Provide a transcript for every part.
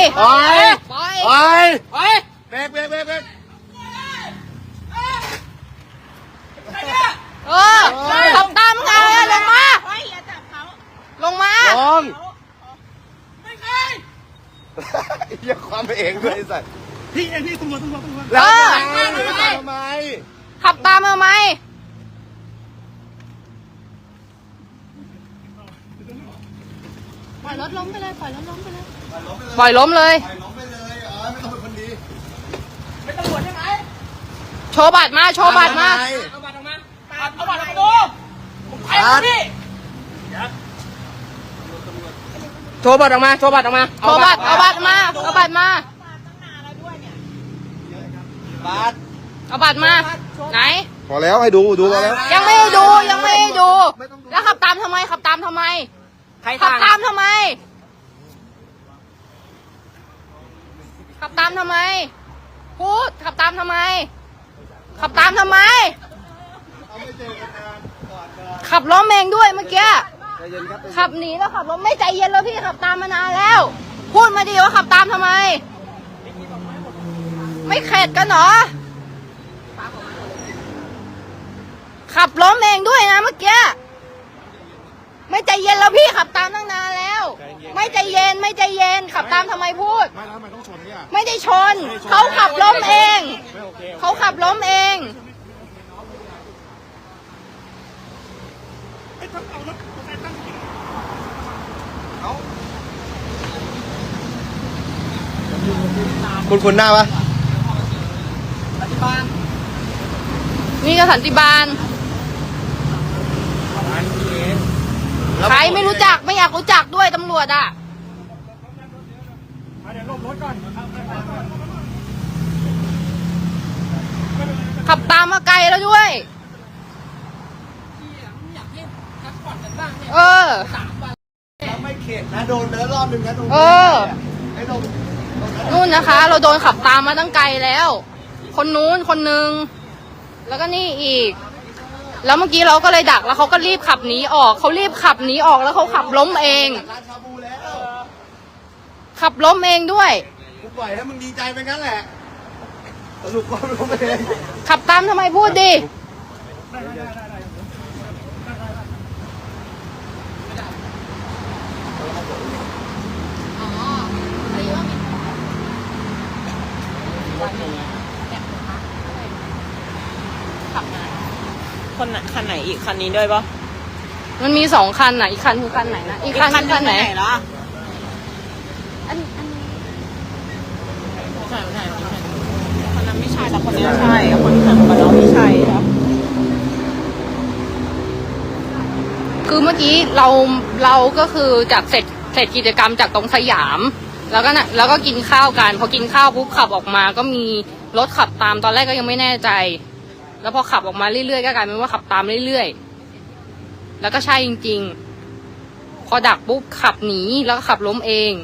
ปล่อยปล่อยปล่อยปล่อยเบรกเบรกเบรกเบรกขับตามไงลงมาลงมาลงอย่าความไปเองด้วยไอ้สัสพี่เองพี่ตำรวจแล้วทำไมขับตามมาไหมปล่อยรถล้มไปเลยปล่อยรถล้มไปเลยปล่อยล้มเลยไปล้มไปเลยไม่ต้องเป็นคนดีไม่ตำรวจใช่ไหมโชว์บัตรมาโชว์บัตรมาเอาบัตรออกมาเอาบัตรออกมาดูผมไปแล้วพี่โชว์บัตรออกมาโชว์บัตรออกมาโชว์บัตรเอาบัตรมาเอาบัตรมาบัตรเอาบัตรมาไหนพอแล้วให้ดูพอแล้วยังไม่ให้ดูยังไม่ให้ดู แล้วขับตามทำไมขับตามทำไมขับตามทำไมขับตามทำไมพูดขับตามทำไมขับตามทำไมขับล้มเองด้วยเมื่อกี้ขับหนีแล้วขับล้มไม่ใจเย็นแล้วพี่ขับตามมานานแล้ว พูดมาดีว่าขับตามทำไมไม่เข็ดกันเหรอขับล้มเองด้วยนะเมื่อกี้ไม่ใจเย็นแล้วพี่ขับตามตั้งนานแล้วไม่ใจเย็นไม่ใจเย็นขับตามทำไมพูดไม่แล้วทำไมต้องชนเนี่ยไม่ได้ชนเขาขับล้มเองเขาขับล้มเองคุณหน้าปะนี่ก็สันติบาลใครไม่รู้จักไม่อยากรู้จักด้วยตำรวจอ่ะขับตามมาไกลแล้วด้วยไม่เข็ดนะโดนเดินรอบนึงนะตรงนี้ไอ้ตรงนู่นนะคะ เราโดนขับตามมาตั้งไกลแล้ว คนนู้นคนนึงแล้วก็นี่อีกแล้วเมื่อกี้เราก็เลยดักแล้วเขาก็รีบขับหนีออกเขารีบขับหนีออกแล้วเขาขับล้มเองขับล้มเองด้วยกูปล่อยให้มึงดีใจไปงั้นแหละสรุปก็ล้มเองขับตามทำไมพูดดิคันไหนอีกคันนี้ด้วยปะมันมี2 คันน่ะอีกคันคือคันไหนนะอีกคันคือคันไหนล่ะอันไม่ใช่คนนั้นไม่ใช่แล้วคนนี้ใช่คนที่ขับกับเราไม่ใช่ครับคือเมื่อกี้เราก็คือจากเสร็จกิจกรรมจากตรงสยามแล้วก็กินข้าวกันพอกินข้าวปุ๊บขับออกมาก็มีรถขับตามตอนแรกก็ยังไม่แน่ใจแล้วพอขับออกมาเรื่อยๆก็กลายเป็นว่าขับตามเรื่อยๆแล้วก็ใช่จริงๆพอดักปุ๊บขับหนีแล้วก็ขับล้มเอง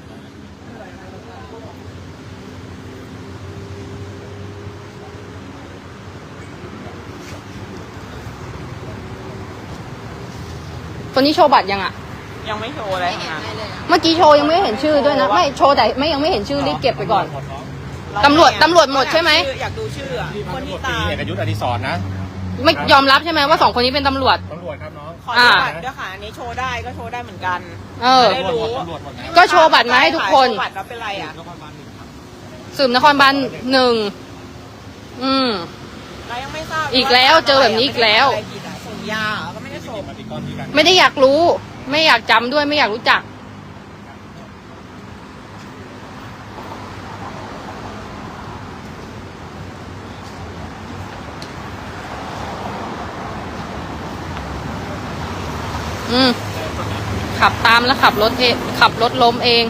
คนนี้โชว์บัตรยังอ่ะยังไม่โชว์อะไรนะเมื่อกี้โชว์ยังไม่เห็นชื่อด้วยนะไม่โชว์แต่ไม่ยังไม่เห็นชื่อรีบเก็บไปก่อนตำรวจหมดใช่ไหมอยากดูชื่อคนที่ตามเอกยุทธอดิศรนะไม่ยอมรับใช่ไหมว่า2 คนนี้เป็นตำรวจตำรวจครับน้องขอดูบัตรด้วยค่ะอันนี้โชว์ได้ก็โชว์ได้เหมือนกัน ได้รู้ก็โชว์บัตรมาให้ทุกคนโชว์บัตรแล้วเป็นไรอ่ะสืบนครบาล1 เรายังไม่ทราบอีกแล้วเจอแบบนี้อีกแล้วส่งยาก็ไม่ได้ส่งไม่ได้อยากรู้ไม่อยากจำด้วยไม่อยากรู้จักขับตามแล้วขับรถล้มเอง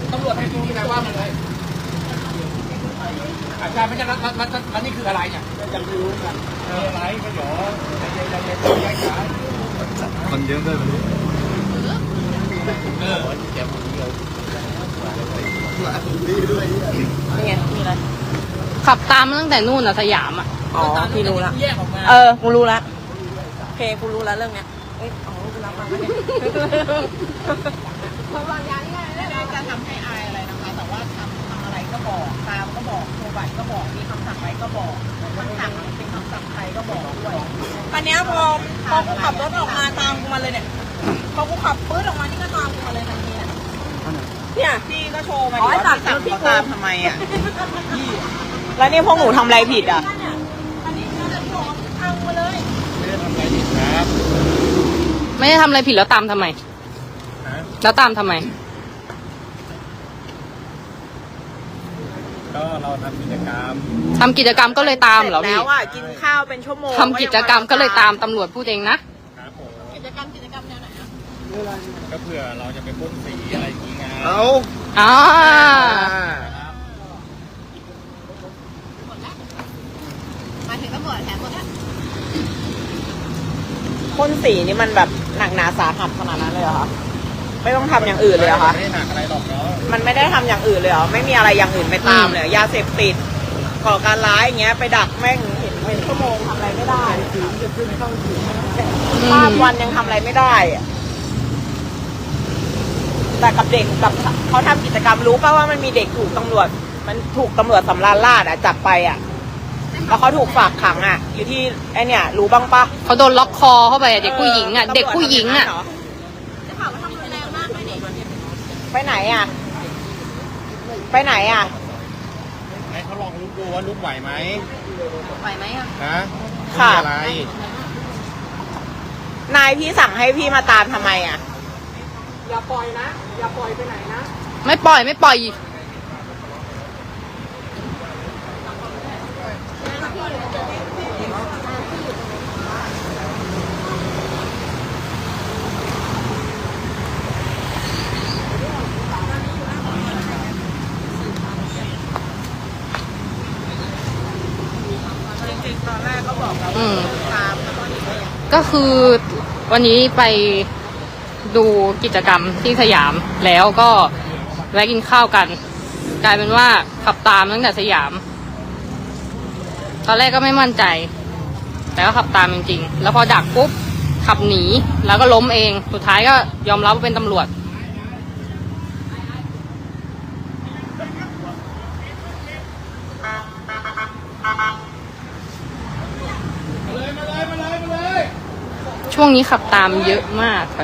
ตำรวจให้ดูนะว่ามันเลยอาจารย์ไม่ใช่มันนี่คืออะไรเนี่ยยังไม่รู้กันอะไรก็หยอคนเยอะด้วยมันนี่ไงมีอะไรขับตามมาตั้งแต่นู่นอะสยามอะอ๋อพี่รู้ละแยกออกมากูรู้ละโอเคกูรู้ละเรื่องเนี้ยเอ้ยอ๋อกูรับมาแล้วเนี่ยเพราะว่าย้ายง่ายเลยจะทำให้อายอะไรนะคะ แต่ว่าทำอะไรก็บอกตามก็บอกโทรบัตรก็บอกมีคำสั่งอะไรก็บอกคำสั่งเป็นคำสั่งใครก็บอกด้วยวันนี้พอกูขับรถออกมาตามกูมาเลยเนี่ยพอกูขับปื๊ดออกมานี่ก็ตามกูมาเลยทันทีเนี่ยพี่ก็โชว์มาดิว่าพี่สั่งเขาตามทำไมอ่ะแล้วนี่พวกหนูทำอะไรผิดอ่ะอันนี้คือจะบอกทางมาเลยไม่ได้ทำอะไรผิดแล้วตามทำไมแล้วตามทำไมก็เราทำกิจกรรมทำกิจกรรมก็เลยตามเหรอแล้พี่วอ่ะกินข้าวเป็นชั่วโมงทำกิจกรรมก็เลยตามตำรวจพูดเองนะครับผมกิจกรรมแนวไหนอ่ะก็เผื่อเราจะไปพ่นสีอะไรอย่างงี้ไงอ๋อมาถึงตำรวจแถมหมดแล้วพ่นสีนี่มันแบบหนักหนาสาหัสขนาดนั้นเลยเหรอคะไม่ต้องทำอย่างอื่นเลยเหรอคะไม่ได้หนักอะไรหรอกเนาะมันไม่ได้ทำอย่างอื่นเลยเหรอไม่มีอะไรอย่างอื่นไปตามเลยเหรอยาเสพติดก่อการร้ายอย่างเงี้ยไปดักแม่งเห็นเป็นชั่วโมงทำอะไรไม่ได้ข้ามวันยังทำอะไรไม่ได้อะแต่กับเด็กกับเขาทำกิจกรรมรู้ป่ะว่ามันมีเด็กถูกตำรวจสำราญราษฎร์จับไปอ่ะแล้วเขาถูกฝากขังอ่ะอยู่ที่ไอเนี่ยรู้บ้างปะเขาโดนล็อกคอเข้าไปอะเด็กผู้หญิงอะเด็กผู้หญิงอะจะถามว่าทำรุนแรงมากไหมเนี่ยไปไหนอ่ะไปไหนอ่ะให้เขาลองลุกดูว่าลุกไหวไหมไหวไหมอะนะค่ะมีอะไรนายพี่สั่งให้พี่มาตามทำไมอ่ะไม่ปล่อยไม่ปล่อยจริงๆตอนแรกก็บอกแล้วอืมตามแล้วก็หนีไปอย่างก็คือวันนี้ไปดูกิจกรรมที่สยามแล้วก็แวะกินข้าวกัน กลายเป็นว่าขับตามตั้งแต่สยาม ตอนแรกก็ไม่มั่นใจ แต่ก็ขับตามจริงๆแล้วพอดักปุ๊บขับหนีแล้วก็ล้มเองสุดท้ายก็ยอมรับว่าเป็นตำรวจ ช่วงนี้ขับตามเยอะมากค่ะ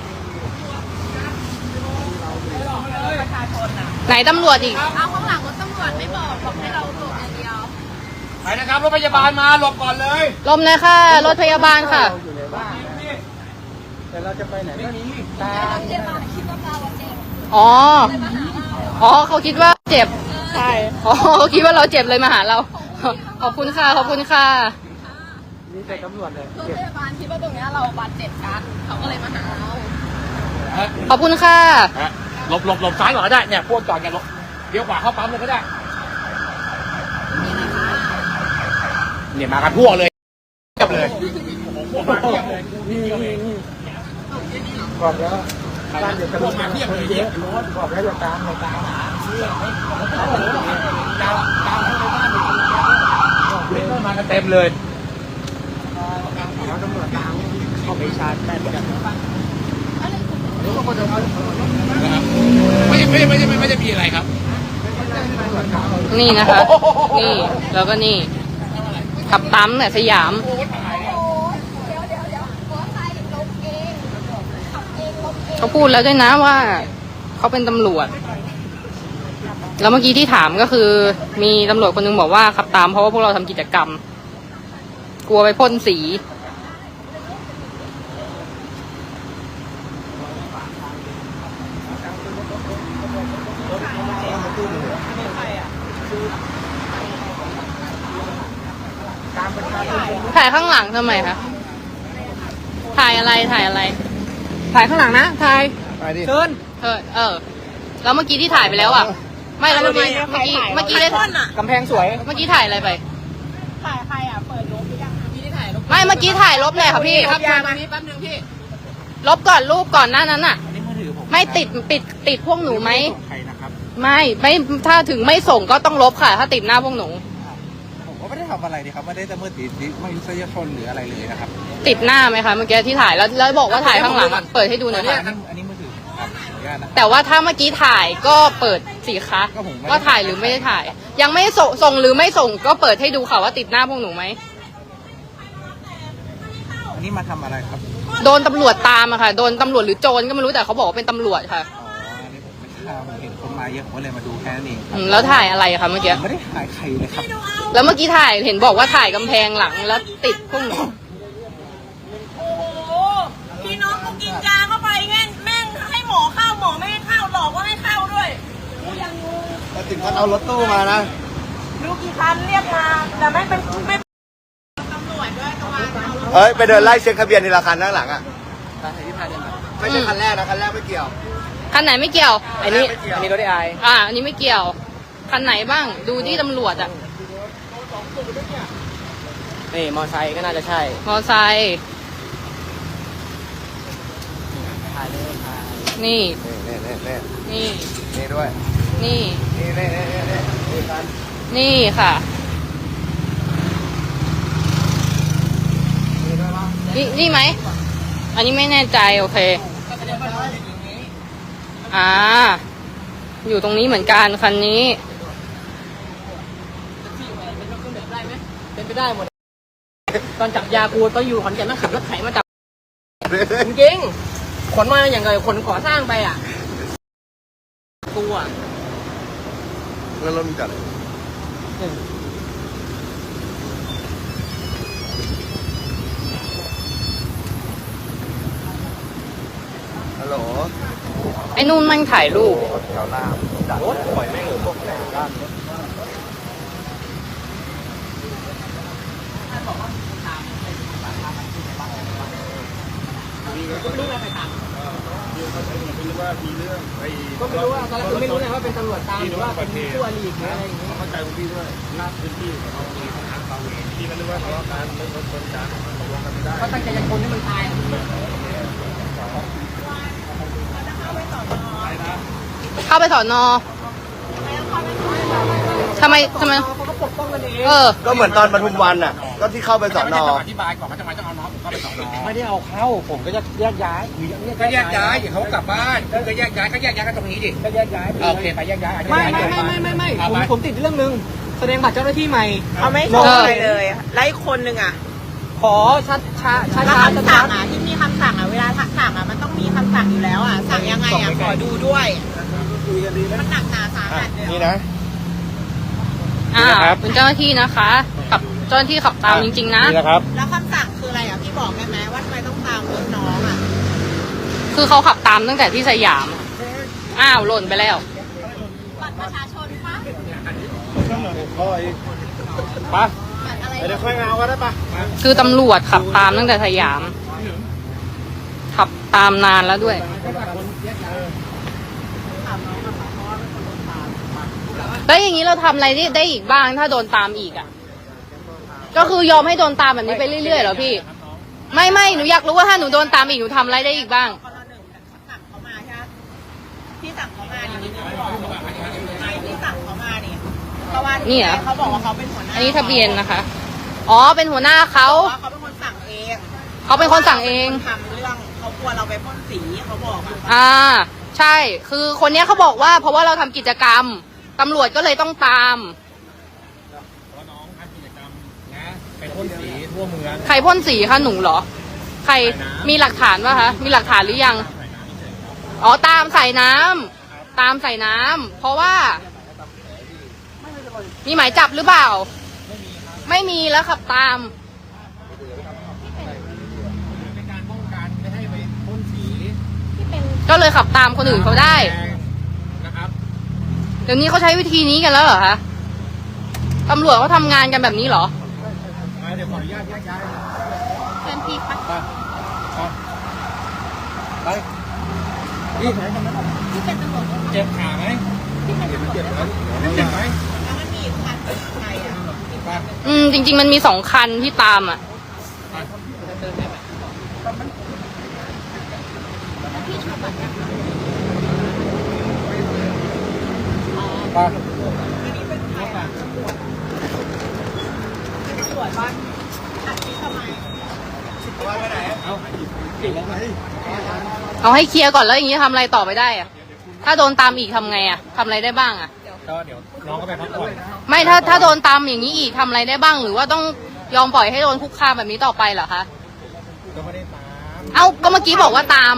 ไหนตำรวจอีกเอาข้างหลังรถตำรวจไม่บอกให้เราหลบอย่างเดียวไปนะครับรถพยาบาลมาหลบก่อนเลยลมเลยค่ะ รถพยาบาลค่ะแต่เราจะไปไหนไม่มีอ๋อ อ๋อเขาคิดว่าเจ็บใช่อ๋อเขาคิดว่าเราเจ็บเลยมาหาเรา ขอบคุณค่ะ ขอบคุณค่ะนี่แต่ตำรวจเลยรถพยาบาลคิดว่าตรงนี้เราบาดเจ็บกันเขาก็เลยมาหาเราขอบคุณค่ะหลบซ้ายก่อนก็ได้เนี่ยพวกจอดกันหลบเลี้ยวขวาเข้าปั๊มเลยก็ได้เนี่ยมากันพวกเลยเทียบเลยพวกมาเทียบเลยนี่บอกแล้วพวกมาเทียบเลยเนี่ยบอกแล้วจะตามเราตามหาตามเข้าในบ้านเลยมากันเต็มเลยแล้วตำรวจตามเขาไปชาร์จแม่กันไม่ได้มีอะไรครับนี่นะคะ นี่ แล้วก็นี่ ขับตามเนี่ยสยาม เขาพูดแล้วด้วยนะว่า เขาเป็นตำรวจ แล้วเมื่อกี้ที่ถามก็คือ มีตำรวจคนนึงบอกว่าขับตามเพราะว่าพวกเราทำกิจกรรม กลัวไปพ่นสี ถ่ายข้างหลังทำไมคะ ถ่ายอะไร ถ่ายอะไร ถ่ายข้างหลังนะ ถ่ายไปดิเชิญเออแล้วเมื่อกี้ที่ถ่ายไปแล้วอ่ะ ไม่แล้วเมื่อกี้ได้กำแพงสวยเมื่อกี้ถ่ายอะไรไปถ่ายใครอ่ะเปิดลบหรือยังพี่ที่ถ่ายลบไม่เมื่อกี้ถ่ายลบเลยค่ะพี่ครับยามาแป๊บนึงพี่ลบก่อนรูปก่อนหน้านั้นอ่ะอันนี้มือถือผมไม่ติดพวกหนูไหมใครนะครับไม่ถ้าถึงไม่ส่งก็ต้องลบค่ะ ถ้าติดหน้าพวกหนูผมก็ไม่ได้ทำอะไรดีครับไม่ได้ละเมิดสิทธิมนุษยชนหรืออะไรเลยนะครับติดหน้าไหมคะเมื่อกี้ที่ถ่ายแล้วบอกว่าถ่ายข้างหลังอะเปิดให้ดูหน่อยค่ะอันนี้มือถือครับขออนุญาตนะแต่ว่าถ้าเมื่อกี้ถ่ายก็เปิดสิคะก็ผมไม่ว่าถ่ายหรือไม่ได้ถ่าย ยังไม่ส่งหรือไม่ส่งก็เปิดให้ดูค่ะว่าติดหน้าพวกหนูไหมอันนี้มาทำอะไรครับโดนตำรวจตามอะค่ะ โดนตำรวจหรือโจรก็ไม่รู้แต่เขาบอกว่าเป็นตำรวจค่ะอ๋ออันนี้ผมไม่ทราบผมเห็นคนมาเยอะผมก็เลยมาดูแค่นั้นเองครัแล้วถ่ายอะไรคะเมื่อกี้ไม่ได้ถ่ายใครเลยครับแล้วเมื่อกี้ถ่ายเห็นบอกว่าถ่ายกำแพงหลังแล้วติดพวกหนูโอ้โหพี่น้องกูกินยาเข้าไปแม่งให้หมอเข้าหมอไม่ให้เข้าหลอกว่าให้เข้าด้วยกูยังงงแต่ถึงขั้นเอารถตู้มานะรู้กี่คันเรียกมาแต่ไม่เป็นไม่ตำรวจด้วยตะวันเฮ้ย ไปเดินไล่เช็คทะเบียนทีละคันข้างหลังอ่ะไม่ใช่คันแรกนะ คันแรกไม่เกี่ยวคันไหนไม่เกี่ยวอันนี้อันนี้รถ AI อันนี้ไม่เกี่ยว คันไหนบ้าง ดูที่ตำรวจอะนี่มอไซค์ก็น่าจะใช่มอไซค์ถ่ายเลยถ่ายนี่นี่นี่นี่ด้วยนี่นี่คันนี่ค่ะนี่ด้วยปะนี่ไหม อันนี้ไม่แน่ใจโอเค อยู่ตรงนี้เหมือนกันคันนี้เป็นไปได้หมดตอนจับยากูตอนอยู่ขอนแก่นต้องขับรถไถมาจับจริงๆขนมาอย่างไรขนก่อสร้างไปอ่ะกูอ่ะแล้วรถมันจอดเลยฮัลโหลไอ้นู่นมันถ่ายรูปแถวหน้าดักรถปล่อยแม่งพวกแถวด้านรถก็ไม่รู้ว่าตอนแรกไม่รู้เลยว่าเป็นตำรวจตามหรือว่าเป็นผู้อริหรืออะไรอย่างเงี้ยเข้าใจคุณพี่ด้วยลาดพื้นที่ของเราเองทางเราเองพี่ไม่รู้ว่าทะเลาะกันเรื่องรถชนกันตกลงกันไม่ได้ก็ตั้งใจจะชนให้มันตายเข้าไปสอนอทำไมเขาก็ปกป้องกันเองก็เหมือนตอนปทุมวันอ่ะ ก็ที่เข้าไปสอนออธิบายก่อนว่าทำไมต้องเอาน้องผมเข้าไปสอนอไม่ได้เอาเข้าผมก็จะแยกย้ายก็แยกย้ายเขากลับบ้านก็แยกย้ายกันตรงนี้ดิก็แยกย้ายโอเคไปแยกย้ายไม่ผมติดเรื่องนึงแสดงบัตรเจ้าหน้าที่ใหม่เอาไม่ส่งอะไรเลยไล่คนหนึ่งอ่ะขอช้าแล้วคำสั่งอ่ะที่มีคำสั่งอ่ะเวลาสั่งอ่ะมันต้องมีคำสั่งอยู่แล้วอ่ะสั่งยังไงอ่ะขอดูด้วยมันหนักหนาสาหัสเลยนี่นะเป็นเจ้าหน้าที่นะคะ กับเจ้าหน้าที่ขับตามจริงๆนะนี่นะครับแล้วคำสั่งคืออะไรอ่ะพี่บอกได้ไหมว่าทำไมต้องตามรถน้องอ่ะคือเขาขับตามตั้งแต่ที่สยาม หล่นไปแล้วบัตรประชาชนปะไปบัตรอะไรเดี๋ยวค่อยเอาก็ได้ปะคือตำรวจขับตามตั้งแต่สยาม ขับตามนานแล้วด้วย แล้วอย่างนี้เราทำอะไรได้อีกบ้างถ้าโดนตามอีกอ่ะ ก็คือยอมให้โดนตามแบบนี้ไปเรื่อยๆเหรอพี่ ไม่หนูอยากรู้ว่าถ้าหนูโดนตามอีกหนูทำอะไรได้อีกบ้างคนละหนึ่งสั่งเขามาใช่ไหมที่สั่งเขามาเนี่ยที่สั่งเขามาเนี่ยเพราะว่านี่เหรอเขาบอกว่าเขาเป็นหัวหน้าอันนี้ทะเบียนนะคะ อ๋อ เป็นหัวหน้าเขาว่าเขาเป็นคนสั่งเองเขาเป็นคนสั่งเองทำเรื่องเขากลัวเราไปพ่นสีเขาบอกอ่ะใช่ คือคนเนี้ยเขาบอกว่าเพราะว่าเราทำกิจกรรม ตำรวจก็เลยต้องตามน้องทำกิจกรรมนะไปพ่นสีทั่วเมืองใครพ่นสีคะหนูเหรอ ใครมีหลักฐานป่ะคะ มีหลักฐานหรือยัง อ๋อ ตามใส่น้ำ ตามใส่น้ำ เพราะว่า มีหมายจับหรือเปล่า ไม่มีแล้วขับตามเป็นการป้องกันไม่ให้ไปพ่นสีก็เลยขับตามคนอื่นเขาได้นะครับเดี๋ยวนี้เขาใช้วิธีนี้กันแล้วเหรอคะตำรวจเขาทำงานกันแบบนี้เหรอเดี๋ยวขออนุญาตแยกย้ายเชิญพี่ปะไปนี่ไหนทำไมที่เป็นตำรวจเจ็บขาไหมเจ็บไหมเจ็บไหมแล้วมันมีอีกคันใครอ่ะจริงๆมันมี2 คันที่ตามอ่ะไปตรวจบ้านอัดคลิปทำไมเอาให้เคลียร์ก่อนแล้วอย่างนี้ทำอะไรต่อไปได้อ่ะถ้าโดนตามอีกทำไงอ่ะทำอะไรได้บ้างอ่ะก็เดี๋ยวน้องก็ไปพักผ่อนไม่ถ้าโดนตามอย่างนี้อีกทำอะไรได้บ้าง หรือว่าต้องยอมปล่อยให้โดนคุกคามแบบนี้ต่อไปเหรอคะก็ไม่ได้ตามเอ้าก็เมื่อกี้บอกว่าตาม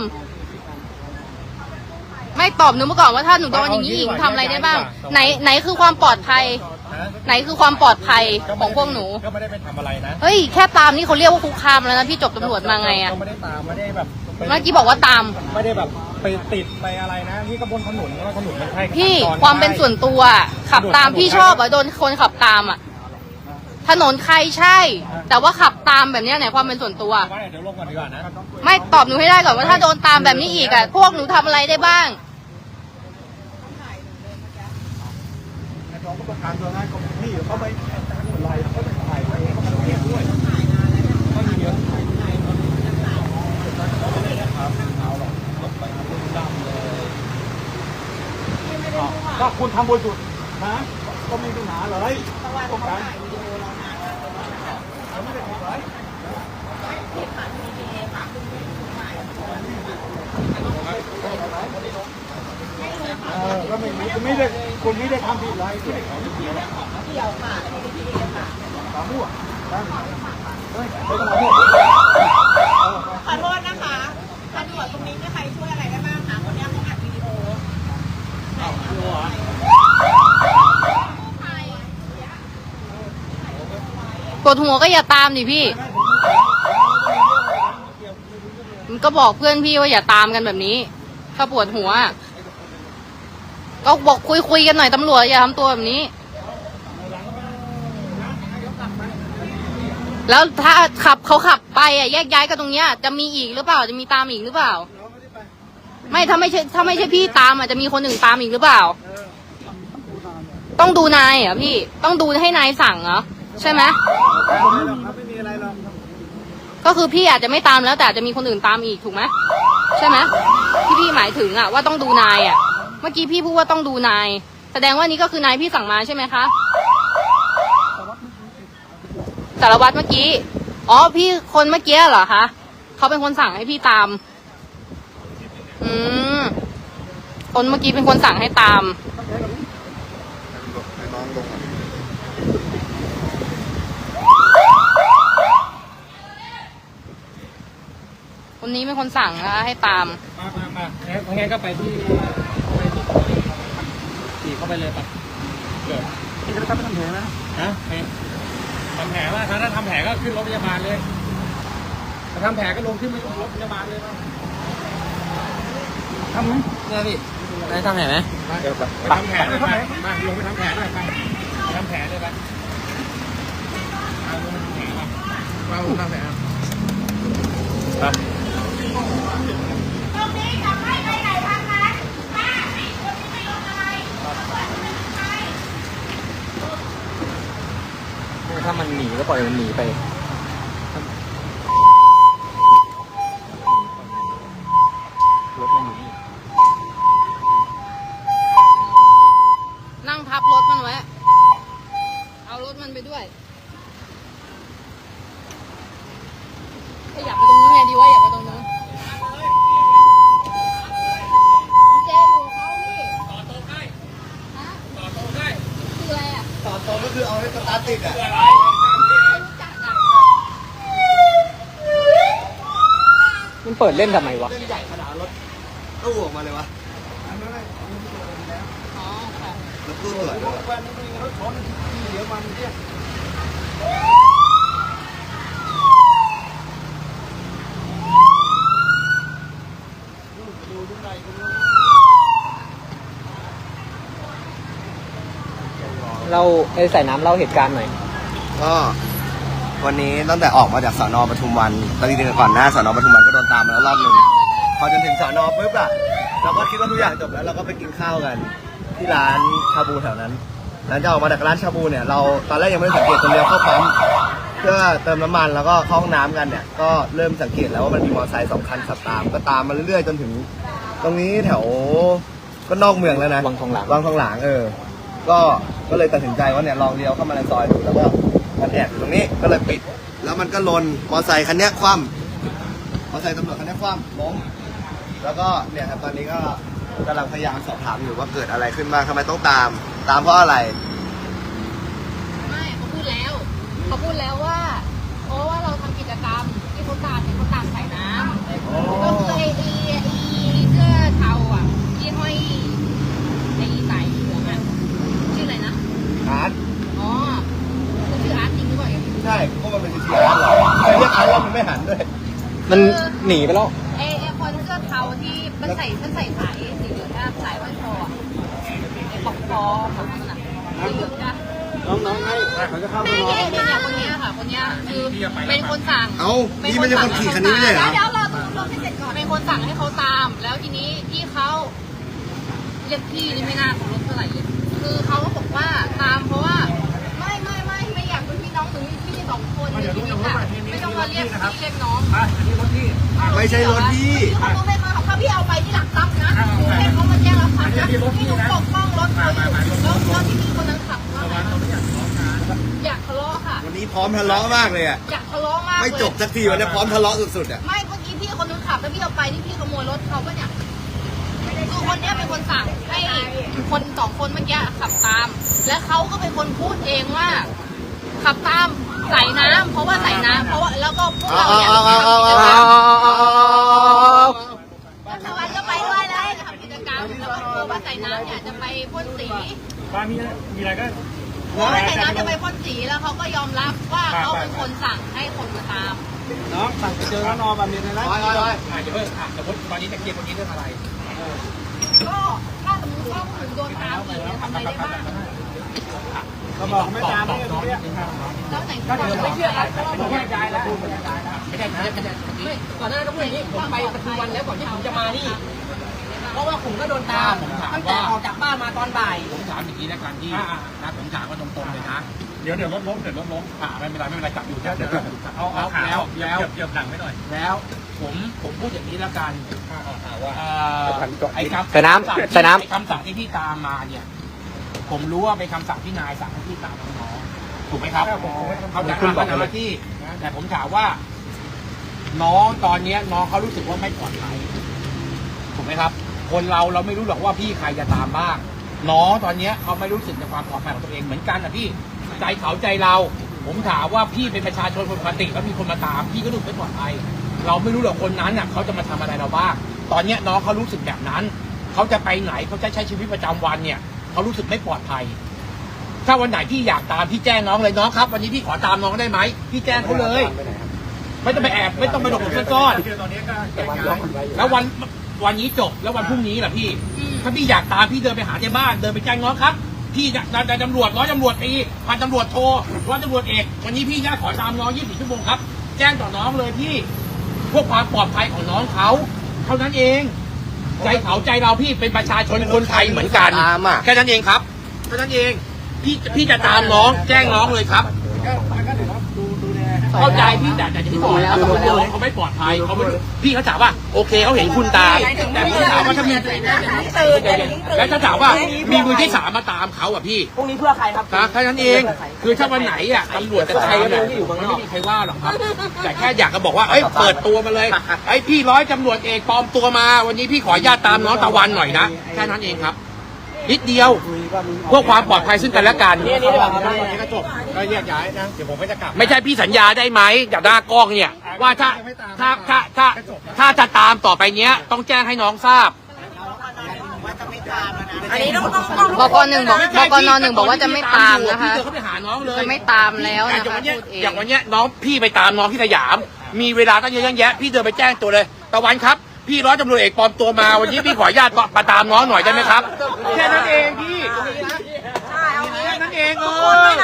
ไม่ตอบหนูมาก่อนว่าถ้าหนูโดนอย่างนี้อีกทำอะไรได้บ้าง ไหนคือความปลอดภัย ไหนคือความปลอดภัยของพวกหนูก็ไม่ได้ไปทำอะไรนะเฮ้ยแค่ตามนี่เขาเรียกว่าคุกคามแล้วนะพี่จบตำรวจมาไงอะก็ไม่ได้ตามไม่ได้แบบเมื่อกี้บอกว่าตามไม่ได้แบบไปติดไปอะไรนะที่ก็บนถนนว่าถนนมันใช่พี่ความเป็นส่วนตัวขับตามพี่ชอบอะโดนคนขับตามอะถนนใครใช่ แต่ว่าขับตามแบบเนี้ยไหนความเป็นส่วนตัวว่าเดี๋ยวลงก่อนดีกว่านะไม่ตอบหนูให้ได้ก่อนว่าถ้าโดนตามแบบนี้อีกอะพวกหนูทำอะไรได้บ้างน้องก็ประกันตัวนั้นก็พี่เขาไปตามอะไรเขาไปถ่ายไปเขาไม่เก็บด้วยก็มีเยอะก็คุณทำบนสุดนะก็มีปัญหาเลยต้องการ ก็ไม่ได้คุณไม่ได้ทำผิดอะไรเกี่ยวค่ะตามั่วไม่ต้องมามั่วขอโทษนะคะตำรวจตรงนี้มีใครช่วยอะไรได้บ้างคะคนนี้เขาอัดวิดีโอปวดหัวก็อย่าตามดิพี่ มันก็บอกเพื่อนพี่ว่าอย่าตามกันแบบนี้ ถ้าปวดหัว ก็บอกคุยกันหน่อยตำรวจอย่าทำตัวแบบนี้ แล้วถ้าเขาขับไปอ่ะแยกย้ายกันตรงเนี้ยจะมีอีกหรือเปล่าจะมีตามอีกหรือเปล่า ไม่ถ้าไม่ใช่พี่ตามอ่ะจะมีคนอื่นตามอีกหรือเปล่า ต้องดูนายเหรอพี่ต้องดูให้นายสั่งเหรอใช่ไหมไม่มีอะไรหรอกก็คือพี่อาจจะไม่ตามแล้วแต่อาจจะมีคนอื่นตามอีกถูกไหมใช่ไหมที่พี่หมายถึงอ่ะว่าต้องดูนายอ่ะเมื่อกี้พี่พูดว่าต้องดูนายแสดงว่านี่ก็คือนายพี่สั่งมาใช่ไหมคะสารวัตรเมื่อกี้อ๋อพี่คนเมื่อกี้เหรอคะเขาเป็นคนสั่งให้พี่ตามคนเมื่อกี้เป็นคนสั่งให้ตามคนนี้เป็นคนสั่งนะคะให้ตามมางั้นก็ไปที่ขี่เข้าไปเลยปะเดี๋ยวที่จะทำแผลนะฮะทำแผลว่าถ้าทำแผลก็ขึ้นรถพยาบาลเลยถ้าทำแผลก็ลงขึ้นรถพยาบาลเลยทำไหมเนี่ยพี่ได้ทำแผลไหมเดี๋ยวไปทำแผลเลยไปมาลงไปทำแผลเลยไปทำแผลเลยไปมาลงทำแผลไปถ้ามันหนีก็ปล่อยมันหนีไปรถมันหนีนั่งทับรถมันไว้เอารถมันไปด้วยขยับไปตรงนู้นไงดีว่าอยากไปตรงนู้นเจ๊อยู่เขาพี่ต่อตรงได้ฮะต่อตรงได้คืออะไรอ่ะต่อตรงก็คือเอาให้สตาร์ทติดอ่ะมันเปิดเล่นทำไมวะเล่นใหญ่ขนาดรถตู้ออกมาเลยวะอ๋อค่ะรถตู้ตรวจด้วยรถชนเดี๋ยวมันเนี่ยเราใส่น้ำเล่าเหตุการณ์หน่อยก็วันนี้ตั้งแต่ออกมาจากสน.ปทุมวันตอนนี้ก่อนหน้าสน.ปทุมวันก็โดนตามมาแล้วรอบนึงพอจนถึงสน.ปุ๊บอะเราก็คิดว่าทุกอย่างจบแล้วเราก็ไปกินข้าวกันที่ร้านชาบูแถวนั้นหลังจากออกมาจากร้านชาบูเนี่ยเราตอนแรกยังไม่ได้สังเกตตรงเลี้ยวเข้าปั๊มเพื่อเติมน้ำมันแล้วก็เข้าห้องน้ำกันเนี่ยก็เริ่มสังเกตแล้วว่ามันมีมอเตอร์ไซค์2 คันขับตามก็ตามมาเรื่อยๆจนถึงตรงนี้แถวก็นอกเมืองแล้วนะวังทองหลางก็เลยตัดสินใจว่าเนี่ยลองเลี้ยวเข้ามาในซอยดูแล้วก็มันแอบอยู่ตรงนี้ก็เลยปิดแล้วมันก็ลนมอเตอร์ไซค์คันนี้คว่ำมอเตอร์ไซค์ตำรวจคันนี้คว่ำล้มแล้วก็เนี่ยครับตอนนี้ก็กำลังพยายามสอบถามอยู่ว่าเกิดอะไรขึ้นบ้างทำไมต้องตามเพราะอะไรไม่เขาพูดแล้วว่าเพราะว่าเราทำกิจกรรมที่เขาตามเนี่ยเขาตามใส่น้ำก็คือไอ้เสื้อเทาอ่ะที่ห้อยไอ้สายเหลืองอ่ะชื่ออะไรนะอาร์ตอ๋อคุณชื่ออาร์ตจริงหรือเปล่าใช่ก็มันเป็นสีอาร์ตหรอใครเรียกอาร์ตว่ามันไม่หันด้วยมันหนีไปแล้วไอ้คนเสื้อเทาที่มันใส่สายสีเหลืองสายวันคอไอ้ปอกคอของมันอ่ะสีเหลืองจ้ะน้องให้เขาจะเข้ามาเนี่ยคนนี้ค่ะคนนี้คือเป็นคนสั่งเอ้านี่ไม่ใช่คนขี่คันนี้ไม่ใช่เหรอเดี๋ยวเราให้เสร็จก่อนเป็นคนสั่งให้เขาตาม แล้วทีนี้ที่เขาเรียกพี่นี่ไม่น่าเคารพเท่าไหร่เลยคือเขาก็บอกว่าตามเพราะว่าไม่อยากเป็นพี่น้องหรือพี่2 คนในชีวิตอะไม่ต้องมาเรียกพี่เรียกน้องไม่ใช่รถพี่เขาต้องให้มาถ้าพี่เอาไปที่หลักทรัพย์นะให้เขามาแจ้งรับทรัพย์นะพี่หนูปกป้องรถเขาอยู่แล้วที่พี่คนนั้นขับว่าอยากทะเลาะค่ะวันนี้พร้อมทะเลาะมากเลยอ่ะอยากทะเลาะมากเลยไม่จบสักทีวันนี้พร้อมทะเลาะสุดๆอ่ะไม่เมื่อกี้พี่คนนึงขับแล้วพี่เอาไปนี่พี่ขโมยรถเขาปะเนี่ยคือคนเนี้ยเป็นคนสั่งให้คน2 คนเมื่อกี้ขับตาม และเขาก็เป็นคนพูดเองว่า ขับตามใส่น้ำเพราะว่าใส่น้ำเพราะว่าแล้วก็พวกเราเนี่ยรัฐบาลก็ไปด้วยนะทำกิจกรรมแล้วก็กลัวว่าใส่น้ำเนี่ยจะไปพ่นสีบ้านมีอะไรก็กลัวว่าใส่น้ำจะไปพ่นสีแล้วเขาก็ยอมรับว่าเขาเป็นคนสั่งให้คนมาตามน้องสั่งจะเจอแล้วนอนแบบนี้นะเดี๋ยวเพิ่งสมมติตอนนี้จะเคลียร์คนนี้เรื่องอะไรก็ถ้าสมมติว่าผมโดนตามอีกจะทำอะไรได้บ้างเขาบอกไม่ตามไม่ตรงนี้แล้วไหนก็เดี๋ยวไม่เชื่อแล้วผมแยกย้ายแล้วไม่ได้ก่อนหน้าก็พูดอย่างนี้ผมไปปทุมวันแล้วก่อนที่ผมจะมานี่เพราะว่าผมก็โดนตามตั้งแต่ออกจากบ้านมาตอนบ่ายผมถามอย่างนี้แล้วกันที่นะผมถามว่าตรงๆเลยนะเดี๋ยวรถล้มไม่เป็นไรจับอยู่เดี๋ยวเอาเกือบหลังไม่หน่อยแล้วผมพูดอย่างนี้แล้วกันไอ้คำสั่งที่พี่ตามมาเนี่ยผมรู้ว่าเป็นคำสั่งที่นายสั่งให้พี่ตามน้องถูกไหมครับเขาจะทำหน้าที่แต่ผมถามว่าน้องตอนนี้น้องเขารู้สึกว่าไม่ปลอดภัยถูกไหมครับคนเราไม่รู้หรอกว่าพี่ใครจะตามบ้างน้องตอนนี้เขาไม่รู้สึกในความปลอดภัยของตัวเองเหมือนกันนะพี่ใจเขาใจเราผมถามว่าพี่เป็นประชาชนคนปกติแล้วมีคนมาตามพี่ก็รู้สึกไม่ปลอดภัยเราไม่รู้หรอกคนนั้นน่ะเขาจะมาทำอะไรเราบ้างตอนนี้น้องเขารู้สึกแบบนั้นเขาจะไปไหนเขาจะใช้ชีวิตประจำวันเนี่ยเขารู้สึกไม่ปลอดภัยถ้าวันไหนพี่อยากตามพี่แจ้งน้องเลยน้องครับวันนี้พี่ขอตามน้องได้ไหมพี่แจ้งเขาเลยไม่ต้องไปแอบไม่ต้องไปหลบซ่อนแล้ววันนี้จบแล้ววันพรุ่งนี้ล่ะพี่ถ้าพี่อยากตามพี่เดินไปหาที่บ้านเดินไปแจ้งน้องครับพี่จะตำรวจร้อยตำรวจตีพันตำรวจโทร้อยตำรวจเอกวันนี้พี่อยากขอตามน้อง24 ชั่วโมงครับแจ้งต่อน้องเลยพี่เพื่อความปลอดภัยของน้องเขาเท่านั้นเองใจเขาใจเราพี่เป็นประชาชนคนไทยเหมือนกันแค่นั้นเองครับแค่นั้นเองพี่จะตามน้องแจ้งน้องเลยครับเข้าใจพี่แต่ที่บอกแล้วเขาไม่ปลอดภัยเขาไม่พี่เขาถามว่าโอเคเขาเห็นคุณตามแต่พี่ถามว่าถ้ามีแล้วถ้าถามว่ามีมือที่3มาตามเขาอ่ะพี่พวกนี้เพื่อใครครับแค่นั้นเองคือถ้าวันไหนอ่ะตำรวจจะใช้เนี่ยมันไม่มีใครว่าหรอกครับแต่แค่อยากจะบอกว่าเอ้ยเปิดตัวมาเลยไอ้พี่ร้อยตำรวจเอกปลอมตัวมาวันนี้พี่ขออนุญาตตามน้องตะวันหน่อยนะแค่นั้นเองครับนิดเดียวเพื่อความปลอดภัยซึ่งกันและกันนี่ก็จบก็แยกย้ายนะเดี๋ยวผมก็จะกลับไม่ใช่พี่สัญญาได้ไหมจากหน้ากล้องเนี่ยว่าถ้าจะตามต่อไปเนี้ยต้องแจ้งให้น้องทราบอันนี้ต้องบก.1บอกว่าจะไม่ตามนะคะจะไม่ตามแล้วนะคะอย่างวันนี้น้องพี่ไปตามน้องที่สยามมีเวลาตั้งเยอะแยะพี่เดินไปแจ้งตัวเลยตะวันครับพี่ร้อยตำรวจเอกปลอมตัวมาวันนี้พี่ขออนุญาตมาตามน้องหน่อยได้ไหมครับแค่นั้นเองพี่ใช่เอางี้แค่นั้นเองทุกคนด้วยนะเอาทุกค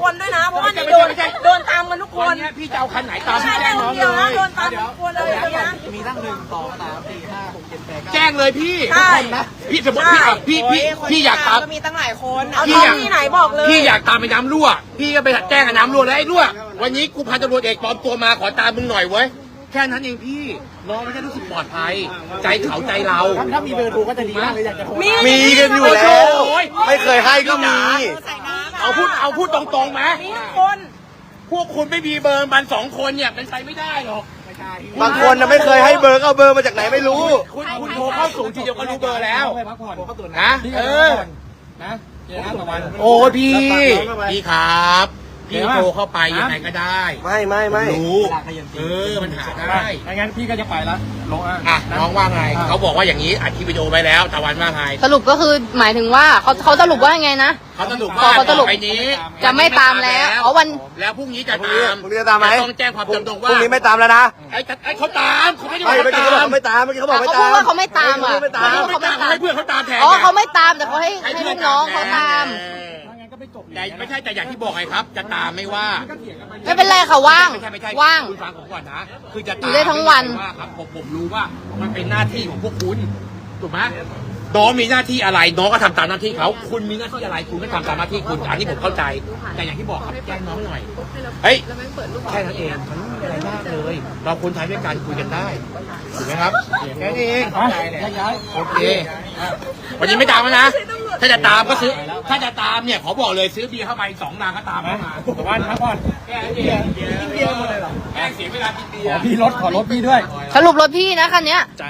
คนด้วยนะ เพราะว่านี่โดนตามกันทุกควันนนี้พี่จะเอาคันไหนตามไม่พี่ใช่แจ้งคน้องนเลเดียวนะยโดนตามทุกคนเลยนะมีตั้ง1 2 3 4 5 6 7 8 9 แจ้งเลยพี่ใช่พี่สมมติพี่อยากตามก็มีตั้งหลายคนเอาท้องที่ไหนบอกเลยพี่อยากตามไปน้ำรั่วพี่ก็ไปแจ้งกับน้ำรั่วแล้วไอ้รั่ววันนี้กูพันตำรวจเอกปลอมตัวมาขอตามมึงหน่อยเว้ยแค่นั้นเองพี่น้องไม่ได้รู้สึกปลอดภัยใจเขาใจเราถ้ามีเบอร์โทรก็จะดีมากเลยอยากจะโทรมีกันอยู่แล้ว ไม่เคยให้ก็มีใส่น้ำเอาพูดตรงๆไหมมีทุกคนพวกคุณไม่มีเบอร์มัน2 คนเนี่ยเป็นไปไม่ได้หรอกบางคนน่ะไม่เคยให้เบอร์ก็เอาเบอร์มาจากไหนไม่รู้คุณโทรเข้าศูนย์ทีเดียวก็รู้เบอร์แล้วไปพักผ่อนเขาตรวจนะพี่เอก็อนะเจอกันตะวันโอ้ยพี่ครับพี่โทรเข้าไปยังไงก็ได้ไม่รู้มันหาได้ไม่งั้นพี่ก็จะไปละลงอ่ะน้องว่าไงเขาบอกว่าอย่างนี้อัดคลิปวิดีโอไว้แล้วตะวันว่าไงสรุปก็คือหมายถึงว่าเขาสรุปว่าไงนะเขาสรุปว่าเขาสรุปต่อไปนี้จะไม่ตามแล้วอ๋อวันแล้วพรุ่งนี้จะพรุ่งนี้ตามพรุ่งนี้จะตามไหมต้องแจ้งความจำตรงพว่ารุ่งนี้ไม่ตามแล้วนะไอ้เขาตามเขาไม่ได้ไม่ว่าเมื่อกี้เขาบอกเขาไม่ตามเมื่อกี้เขาบอกไม่เขาตามพูดว่าเขาไม่ตามอ่ะไม่ตามเขาไม่ตามให้เพื่อนเขาตามแทนอ๋อเขาไม่ตามแต่เขาให้ลูกน้องเขาตามงั้นก็ไม่จบแต่ไม่ใช่แต่อย่างที่บอกไงครับ จะตามไม่ว่าไม่เป็นไรค่ะว่างไม่ใช่ว่างคุณฟังผมก่อนนะคือจะอยู่ได้ทั้งวันไม่ว่าครับผมรู้ว่ามันเป็นหน้าที่ของพวกคุณถูกไหมน้องมีหน้าที่อะไรน้องก็ทำตามหน้าที่เขาคุณมีหน้าที่อะไรคุณก็ทำตามหน้าที่คุณอันนี้ผมเข้าใจแต่อย่างที่บอกครับแจ้งน้องหน่อยเฮ้ยแค่นั้นเองมันไม่มีอะไรมากเลย เราคนไทยด้วยกันคุยกันได้ถูกไหมครับแค่นี้เองย้ายโอเควันนี้ไม่ตามแล้วนะถ้าจะตามก็ซื้อถ้าจะตามเนี่ยขอบอกเลยซื้อเบียร์เข้าไป2 ลังก็ตามเข้ามาตะวันพักผ่อนแค่นั้นเองกินเบียร์หมดเลยเหรอแค่เสียเวลากินเบียขอร์พี่ขอรถพี่ด้วยสรุปรถพี่นะคันเนี้ยจ้าร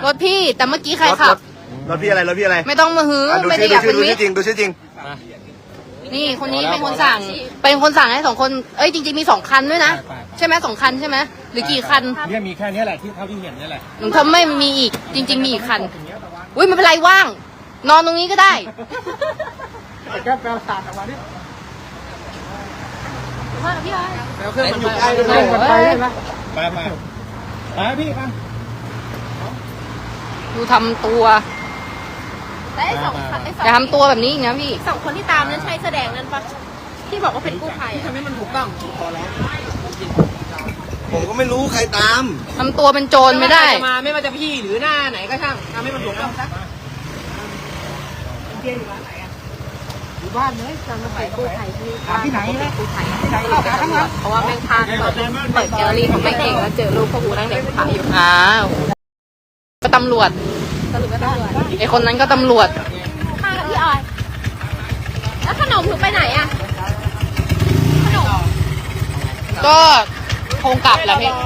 ถพี่แต่เมื่อกี้ใครขับรถพี่อะไรรถพี่อะไรไม่ต้องมาฮื้อดูไม่ได้ชื่ออยากเป็นดูมิชื่ตอจริงดูชื่อจริงนี่คนนี้เป็นคนสั่งให้2 คนเอ้ยจริงๆมี2 คันด้วยนะใช่ไหม2 คันใช่ไหมหรือกี่คันเนี่ยมีแค่นี้แหละที่เท่าที่เห็นนี่แหละหนูทำไม่มีอีกจริง ๆ มีอีกคันอุ้ยไม่เป็นไรว่าง นอนตรงนี้ก็ได้แก้แปลศาสตร์ออกมาดิว่าพี่ไอ้แล้วเครื่องมันอยู่ใกล้เลยมันไปได้ไหมไปพี่มาดูทำตัวและไอ้สองคันไอ้สองอย่าทำตัวแบบนี้อีกนะพี่สองคนที่ตามนั้นใช่แสดงนั้นปะที่บอกว่าเป็นกู้ภัยทำให้มันถูกต้องพอแล้วผมก็ไม่รู้ใครตามทำตัวเป็นโจรไม่ได้มาไม่ว่าจะพี่หรือหน้าไหนก็ช่างทำให้มันถูกต้องซะอยู่บ้านเลยจำมาไปกู้ภัยที่ไหนเลยกู้ภัยเพราะว่าแม่งพาเปิดแกลเลอรี่ของแม่งเองแล้วเจอรูปพวกกูนั่งเด็กขายอยู่อ้าวก็ตำรวจสรุปว่าตำรวจไอคนนั้นก็ตำรวจข้างกับพี่ออย แล้วขนมหนูไปไหนอะขนมก็คงกลับแหละพี่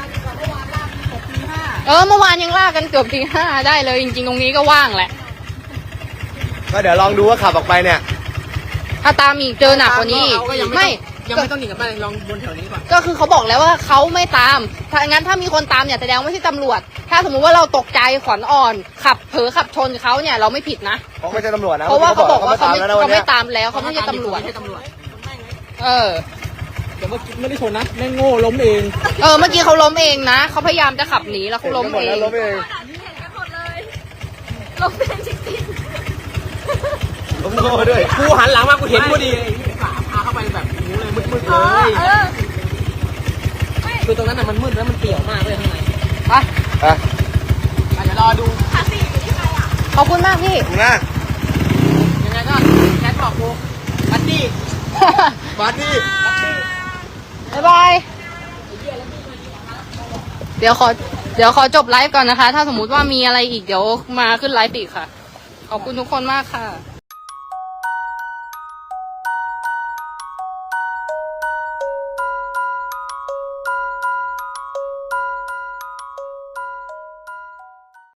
เมื่อวานยังล่ากันเกือบตี 5ได้เลยจริงๆตรงนี้ก็ว่างแหละก็เดี๋ยวลองดูว่าขับออกไปเนี่ยถ้าตามอีกเจอหนักกว่านี้อีกไม่ยังไม่ต้องหนีกลับบ้านลองบนแถวนี้ก่อนก็คือเขาบอกแล้วว่าเขาไม่ตามถ้างั้นถ้ามีคนตามเนี่ยแสดงว่าไม่ใช่ตำรวจ ถ้าสมมุติว่าเราตกใจขวัญอ่อนขับเผลอขับชนเขาเนี่ยเราไม่ผิดนะเพราะไม่ใช่ตำรวจนะเพราะว่าเขาบอกว่าเขาแล้วนะวันไม่เนี้ยตามแล้วเขาไม่ใช่ตำรวจ เออแต่ว่าไม่ได้ชนนะแม่งโง่ล้มเองเมื่อกี้เขาล้มเองนะเขาพยายามจะขับหนีแล้วเขาล้มเองล้มเองลงเป็นจริงล้มโง่ด้วยกูหันหลังมากูเห็นพอดีพาเข้าไปแบบนี้เลยมืดๆๆอ๋เลอยคือตรงนั้นน่ะมันมืดแล้วมันเปี่ยวมากเลยข้างในไปเดี๋ยวรอดูภาษีอยู่ที่ใครอ่ะขอบคุณมากพี่ถูกนะยังไงก็แคทบอกกูบัดดี้บัสดี้บ๊ายบาย เดี๋ยวขอจบไลฟ์ก่อนนะคะ ถ้าสมมุติว่ามีอะไรอีกเดี๋ยวมาขึ้นไลฟ์อีกค่ะ ขอบคุณทุกคนมากค่ะ